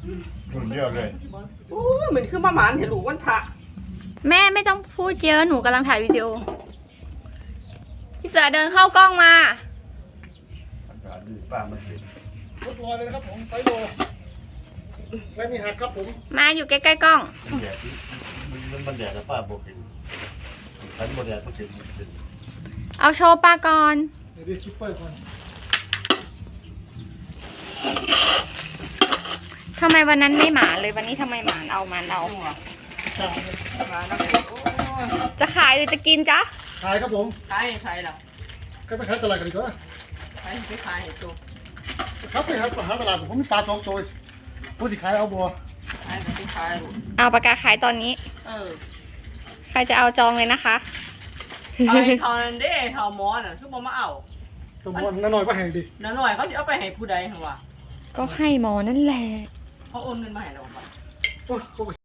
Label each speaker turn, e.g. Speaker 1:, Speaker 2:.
Speaker 1: รุ่นเดียวเลย
Speaker 2: โอ้เหมือนคือประมาณเห็นหลูกวันพระ
Speaker 3: แม่ไม่ต้องพูดเยอะหนูกำลังถ่ายวิดีโอพี่เสือเดินเข้ากล้องมา
Speaker 1: อากาศดีป้ามันเห็น
Speaker 4: รถลอยเลยนะครับผมไซโลไม่มีหักครับผม
Speaker 3: มาอยู่ใกล้ๆกล้อง
Speaker 1: มันแดดมันแดดแต่ป้าบอกเห็นฉันบ่แดดมันเห็น
Speaker 3: เอาโชว์ปลาก่อน
Speaker 4: เดี๋ยวดิคิปเปอร์ก่อน
Speaker 3: ทำไมวันนั้นไม่หมาเลยวันนี้ทำไมหมาเอามันเอา
Speaker 2: มาแล้วโอ้ย
Speaker 3: จะขายหรือจะกินจ๊ะ
Speaker 4: ขายครับผม
Speaker 2: ใครเหรอ
Speaker 4: ก็ไปขายตลาดกันดีกว่า
Speaker 2: ใครไปขายให้ตัว
Speaker 4: ครับไปหาตลาดผมมีปลา2 ตัวผู้สิขายเอาบัว
Speaker 2: ใครไปขายลูก
Speaker 3: เอาปากกาขายตอนนี้ ใครจะเอาจองเลยนะคะ
Speaker 2: ไอ้เท่านั้นเด้เท่ามอน่ะคือบ่มาเอา
Speaker 4: สมมติน้าหน่อยว่าแห่งดี
Speaker 2: น้าหน่อยเขาจะเอาไปให้ผู้ใดเหรอวะ
Speaker 3: ก็ให้หมอนั่นแหละ
Speaker 2: เขาโอนเงินมาให้เราป่ะ
Speaker 4: โอ้เขา